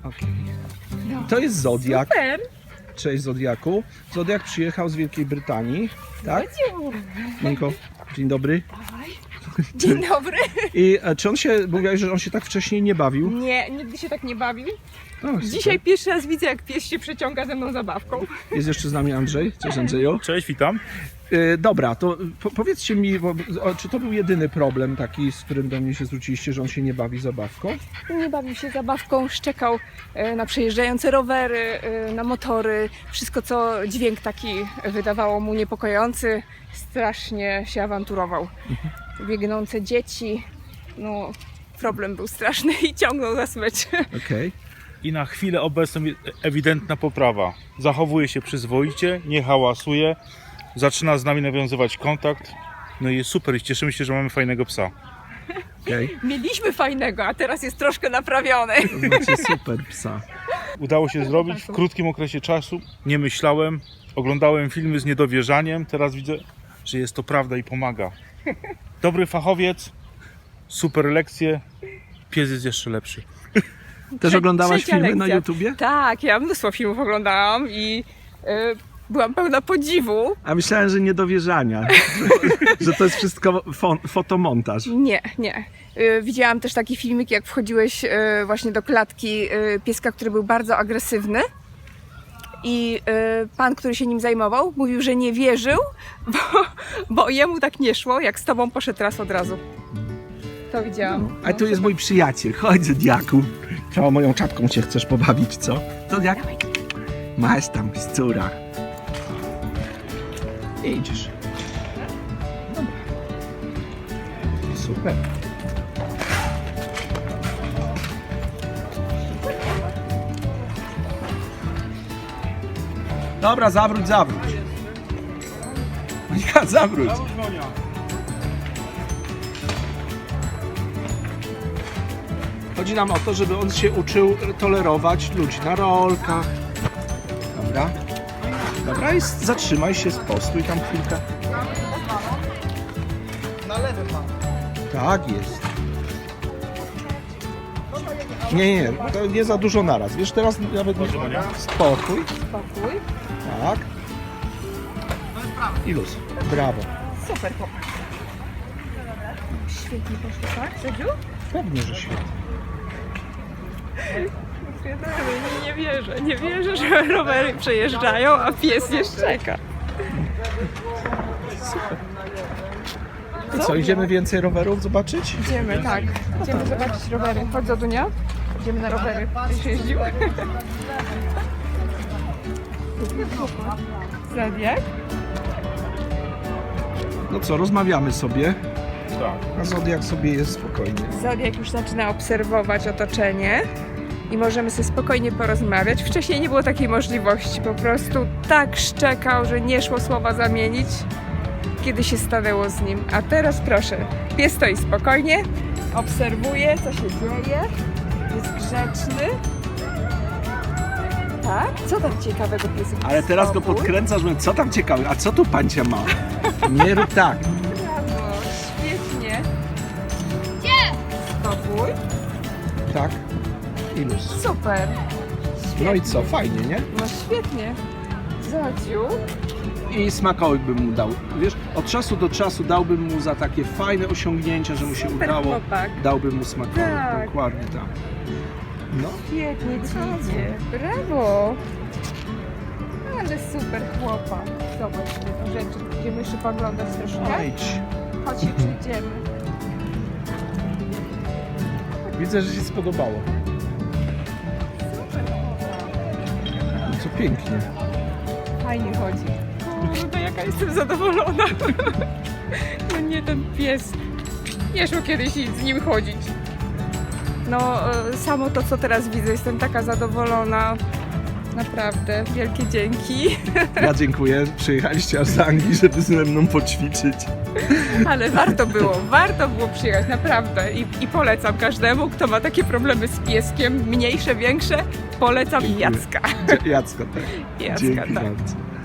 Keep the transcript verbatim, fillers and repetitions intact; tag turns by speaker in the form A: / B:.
A: Okay.
B: No.
A: To jest Zodiak.
B: Super.
A: Cześć Zodiaku. Zodiak przyjechał z Wielkiej Brytanii, tak? Monika, dzień dobry.
B: Dzień dobry.
A: I e, czy on się, mówiłeś, że on się tak wcześniej nie bawił?
B: Nie, nigdy się tak nie bawił.
A: O, super.
B: Dzisiaj pierwszy raz widzę, jak pies się przeciąga ze mną zabawką.
A: Jest jeszcze z nami Andrzej. Cześć Andrzeju.
C: Cześć, witam.
A: E, dobra, to po, powiedzcie mi, bo, o, czy to był jedyny problem taki, z którym do mnie się zwróciliście, że on się nie bawi zabawką?
B: Nie bawił się zabawką, szczekał e, na przejeżdżające rowery, e, na motory. Wszystko, co dźwięk taki wydawało mu niepokojący. Strasznie się awanturował. Biegnące dzieci. No, problem był straszny i ciągnął za smycz.
A: Okej.
C: I na chwilę obecną ewidentna poprawa. Zachowuje się przyzwoicie, nie hałasuje, zaczyna z nami nawiązywać kontakt. No i jest super i cieszymy się, że mamy fajnego psa.
A: Okay.
B: Mieliśmy fajnego, a teraz jest troszkę naprawiony.
A: To znaczy super psa.
C: Udało się zrobić w krótkim okresie czasu. Nie myślałem, oglądałem filmy z niedowierzaniem. Teraz widzę, że jest to prawda i pomaga. Dobry fachowiec, super lekcje, pies jest jeszcze lepszy.
A: Też oglądałaś
B: Trzecia
A: filmy na
B: lekcja.
A: YouTubie?
B: Tak, ja mnóstwo filmów oglądałam i y, byłam pełna podziwu.
A: A myślałem, że niedowierzania, że, że to jest wszystko fo fotomontaż.
B: Nie, nie. Y, widziałam też taki filmik, jak wchodziłeś y, właśnie do klatki y, pieska, który był bardzo agresywny. I y, pan, który się nim zajmował, mówił, że nie wierzył, bo, bo jemu tak nie szło, jak z tobą poszedł raz od razu. To widziałam.
A: A tu jest mój przyjaciel, chodź Zodiaku. Co, moją czapką się chcesz pobawić, co? Zodiak? Masz tam, scóra. Idziesz. Dobra. Super. Dobra, zawróć, zawróć. Monika, zawróć. Chodzi nam o to, żeby on się uczył tolerować ludzi na rolkach. Dobra. Dobra, i zatrzymaj się, spostój tam chwilkę. Na lewy pan. Tak jest. Nie, nie, to nie za dużo naraz. Wiesz, teraz nawet nie... Spokój.
B: Spokój.
A: Tak. I luz. Brawo.
B: Super chłopak. Świetnie poszło, tak, Sedziu?
A: Pewnie, że świetnie.
B: Nie wierzę, nie wierzę, że rowery przejeżdżają, a pies nie szczeka.
A: I co, idziemy więcej rowerów zobaczyć?
B: Idziemy, tak. Idziemy zobaczyć rowery. Chodź, Zodunia. Idziemy na rowery. Będziesz jeździł? Zodiak?
A: No co, rozmawiamy sobie,
C: Tak.
A: a Zodiak sobie jest spokojnie.
B: Zodiak już zaczyna obserwować otoczenie i możemy sobie spokojnie porozmawiać. Wcześniej nie było takiej możliwości. Po prostu tak szczekał, że nie szło słowa zamienić, kiedy się stanęło z nim. A teraz proszę, pies stoi spokojnie, obserwuje, co się dzieje, jest grzeczny. Tak? Co tam ciekawego pies?
A: Ale teraz go
B: Spokój.
A: podkręcasz, mówię, co tam ciekawe, a co tu pancia ma? Nie rób tak.
B: Brawo, świetnie. Gdzie? Spokój.
A: Tak. I luz.
B: Super.
A: No i co, fajnie, nie?
B: No świetnie. Zodziu.
A: I smakołyk bym mu dał. Wiesz, od czasu do czasu dałbym mu za takie fajne osiągnięcia, że mu się
B: Super
A: udało.
B: chłopak.
A: Dałbym mu smakołyk,
B: Tak.
A: dokładnie tak. No.
B: Świetnie ci idzie. Brawo. Ale super chłopak. Zobacz te rzeczy. Idziemy jeszcze poglądać troszkę.
A: Idź.
B: Chodź się przyjdziemy.
A: Widzę, że się spodobało.
B: Super chłopak.
A: No co pięknie.
B: Fajnie chodzi. Kurde, jaka jestem zadowolona. No nie, ten pies. Nie szło kiedyś z nim chodzić. No, e, samo to, co teraz widzę, jestem taka zadowolona. Naprawdę, wielkie dzięki.
A: Ja dziękuję. Przyjechaliście aż z Anglii, żeby ze mną poćwiczyć.
B: Ale warto było, warto było przyjechać, naprawdę. I, I polecam każdemu, kto ma takie problemy z pieskiem, mniejsze, większe, polecam Jacka.
A: Jacka, tak.
B: Jacka,
A: Dzięki
B: tak.
A: bardzo.